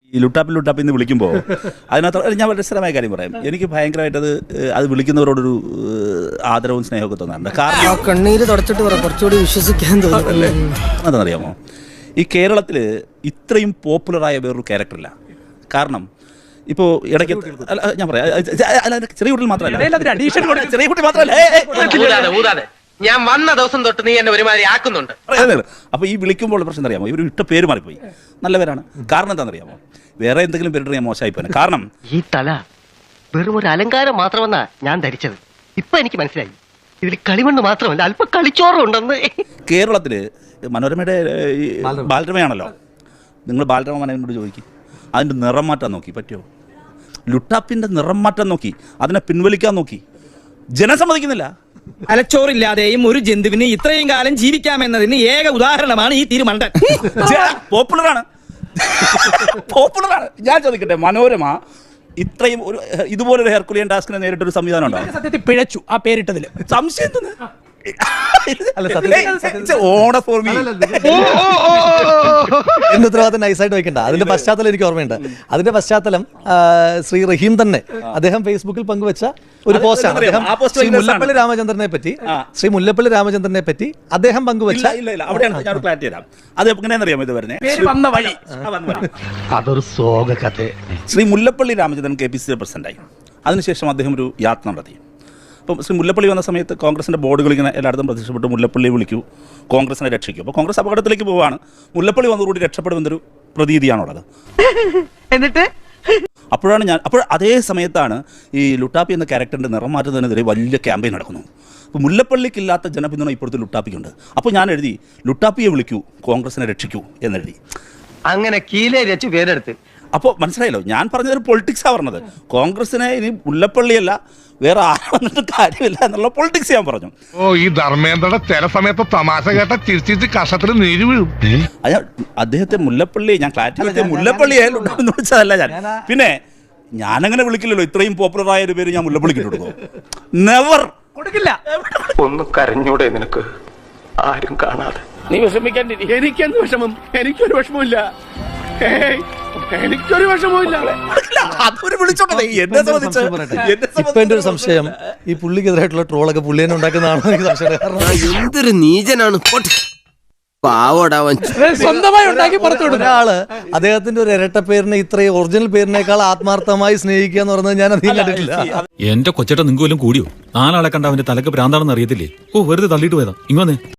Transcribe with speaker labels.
Speaker 1: ഈ ലുട്ടാപ്പിൽ നിന്ന് വിളിക്കുമ്പോൾ അതിനകത്ത് ഞാൻ വളരെ രസകരമായ കാര്യം പറയാം. എനിക്ക് ഭയങ്കരമായിട്ട് അത് വിളിക്കുന്നവരോടൊരു ആദരവും സ്നേഹമൊക്കെ തോന്നാറുണ്ട്. കാരണം
Speaker 2: കണ്ണീര് തുടച്ചിട്ട് കുറച്ചുകൂടി വിശ്വസിക്കാൻ തോന്നുന്നല്ലേ.
Speaker 1: അതെന്നറിയാമോ, ഈ കേരളത്തിൽ ഇത്രയും പോപ്പുലറായ വേറൊരു ക്യാരക്ടറില്ല. കാരണം ഇപ്പോൾ ഇടയ്ക്ക് ഞാൻ പറയാം, ചെറിയ കുട്ടികൾ മാത്രമല്ല, ചെറിയ കുട്ടി മാത്രമല്ല,
Speaker 3: ഞാൻ വന്ന ദിവസം തൊട്ട് നീ എന്നെ ഒരുമാതിരി ആക്കുന്നുണ്ട്.
Speaker 1: അപ്പോൾ ഈ വിളിക്കുമ്പോൾ പ്രശ്നം അറിയാമോ, ഇവർ ഇട്ട പേര് മാറിപ്പോയി. നല്ല പേരാണ്. കാരണം എന്താണെന്നറിയാമോ, വേറെ എന്തെങ്കിലും പേരിട്ട് ഞാൻ മോശമായിപ്പോയി. കാരണം
Speaker 4: ഈ തല വെറും ഒരു അലങ്കാരം മാത്രമെന്നാ ഞാൻ ധരിച്ചത്. ഇപ്പൊ എനിക്ക് മനസ്സിലായി ഇതിൽ കളിമണ്ണ് മാത്രമല്ല അല്പം കളിച്ചോറുണ്ടെന്ന്.
Speaker 1: കേരളത്തിൽ മനോരമയുടെ ബാലരമയാണല്ലോ. നിങ്ങൾ ബാലരമ മനോരമയോട് ചോദിക്കും, അതിൻ്റെ നിറം മാറ്റാൻ നോക്കി, പറ്റുമോ? ലുട്ടാപ്പിൻ്റെ നിറം മാറ്റാൻ നോക്കി, അതിനെ പിൻവലിക്കാൻ നോക്കി, ജനം സമ്മതിക്കുന്നില്ല.
Speaker 2: തലച്ചോറില്ലാതെയും ഒരു ജന്തുവിന് ഇത്രയും കാലം ജീവിക്കാമെന്നതിന് ഏക ഉദാഹരണമാണ് ഈ തിരുമണ്ടൻ.
Speaker 1: പോപ്പുലറാണ്. ഞാൻ ചോദിക്കട്ടെ, മനോരമ ഇത്രയും ഒരു ഇതുപോലൊരു ഹെർക്കുലിയൻ ടാസ്കിനെ നേരിട്ടൊരു സംവിധാനം ഉണ്ടോ?
Speaker 2: സത്യത്തിൽ പിഴച്ചു ആ പേരിട്ടതിൽ.
Speaker 1: സംശയം തോന്നുന്നു.
Speaker 5: എന്റെ ഉത്തരവാദിത്തം നൈസായിട്ട് വെക്കണ്ട. അതിന്റെ പശ്ചാത്തലം എനിക്ക് ഓർമ്മയുണ്ട്. അതിന്റെ പശ്ചാത്തലം ശ്രീ റഹീം തന്നെ അദ്ദേഹം ഫേസ്ബുക്കിൽ പങ്കുവെച്ച ഒരു പോസ്റ്റാണ്. അദ്ദേഹം ശ്രീ മുല്ലപ്പള്ളി രാമചന്ദ്രനെ പറ്റി അദ്ദേഹം പങ്കുവെച്ച
Speaker 1: അവിടെയാണ് ഞാൻ ക്ലാരിറ്റി തരാം. അത് എങ്ങനെയാണെന്നറിയാമോ ഇത് വരുന്നത്?
Speaker 4: അതൊരു സോക കഥ.
Speaker 1: ശ്രീ മുല്ലപ്പള്ളി രാമചന്ദ്രൻ KPCC പ്രസിഡന്റായി. അതിനുശേഷം അദ്ദേഹം ഒരു യാത്ര നടത്തി. അപ്പം ശ്രീ മുല്ലപ്പള്ളി വന്ന സമയത്ത് കോൺഗ്രസിൻ്റെ ബോർഡുകൾ ഇങ്ങനെ എല്ലായിടത്തും പ്രത്യക്ഷപ്പെട്ട് മുല്ലപ്പള്ളിയെ വിളിക്കൂ, കോൺഗ്രസിനെ രക്ഷിക്കൂ. അപ്പോൾ കോൺഗ്രസ് അപകടത്തിലേക്ക് പോവുകയാണ്. മുല്ലപ്പള്ളി വന്നുകൂടി രക്ഷപ്പെടുമെന്നൊരു പ്രതീതിയാണുള്ളത്.
Speaker 4: എന്നിട്ട്
Speaker 1: അപ്പോൾ അതേ സമയത്താണ് ഈ ലുട്ടാപ്പി എന്ന ക്യാരക്ടറിൻ്റെ നിറം മാറ്റുന്നതിനെതിരെ വലിയ ക്യാമ്പയിൻ നടക്കുന്നു. അപ്പോൾ മുല്ലപ്പള്ളിക്കില്ലാത്ത ജനപിന്തുണ ഇപ്പോഴത്തെ ലുട്ടാപ്പിക്കുണ്ട്. അപ്പോൾ ഞാൻ എഴുതി, ലുട്ടാപ്പിയെ വിളിക്കൂ, കോൺഗ്രസിനെ രക്ഷിക്കൂ എന്നെഴുതി.
Speaker 4: അങ്ങനെ കീലേ രച്ചു പേരെടുത്ത്.
Speaker 1: അപ്പോൾ മനസ്സിലായല്ലോ, ഞാൻ പറഞ്ഞതൊരു പൊളിറ്റിക്സാണ് പറഞ്ഞത്. കോൺഗ്രസിനെ ഇനി മുല്ലപ്പള്ളിയല്ല വേറെ ആരും വന്നിട്ട് കാര്യമില്ല എന്നുള്ള പൊളിറ്റിക്സ് ഞാൻ പറഞ്ഞു.
Speaker 6: ഓ, ഈ ധർമ്മേന്ദ്രയുടെ ചില സമയത്ത് തമാശ കേട്ട ചിരിച്ചിട്ട് കഷത്തിൽ നീര് വീഴും.
Speaker 1: അദ്ദേഹത്തെ മുല്ലപ്പള്ളി ഞാൻ ക്ലാരിറ്റി മുല്ലപ്പള്ളിയെ വിളിച്ചതല്ല ഞാൻ. പിന്നെ ഞാനങ്ങനെ വിളിക്കില്ലല്ലോ. ഇത്രയും പോപ്പുലറായ ഒരു പേര് ഞാൻ മുല്ലപ്പള്ളിക്ക് കൊടുക്കും. നെവർ കൊടുക്കില്ല.
Speaker 3: ഒന്ന് കരഞ്ഞൂടെ നിനക്ക്, ആരും കാണാതെ?
Speaker 7: നീ വിഷമിക്കാൻ. എനിക്കെന്ത് വിഷമം? എനിക്കൊരു വിഷമമില്ല. എനിക്കൊരു വിഷമമില്ല.
Speaker 5: ഇപ്പൊ എന്റെ ഒരു സംശയം, ഈ പുള്ളിക്കെതിരായിട്ടുള്ള ട്രോളൊക്കെ പുള്ളി തന്നെ ഉണ്ടാക്കുന്നതാണോ എനിക്ക് സംശയം.
Speaker 2: എന്തൊരു നീചനാണ്
Speaker 7: സ്വന്തമായി ഉണ്ടാക്കി പുറത്തുവിടും
Speaker 5: ഒരാള് അദ്ദേഹത്തിന്റെ ഒരു ഇരട്ട പേരിനെ ഇത്രയും ഒറിജിനൽ പേരിനേക്കാൾ ആത്മാർത്ഥമായി സ്നേഹിക്കുക എന്ന് പറഞ്ഞത് ഞാൻ അധികം കണ്ടിട്ടില്ല.
Speaker 8: എന്റെ കൊച്ചേട്ട നിങ്ങൾക്ക് വല്ലതും കൂടിയോ? 4 ആളെ കണ്ട അവന്റെ തലക്ക് ഭ്രാന്താണെന്ന് അറിയത്തില്ലേ? ഓ, വെറുതെ തള്ളിയിട്ട് പോയതാ. ഇങ്ങനെ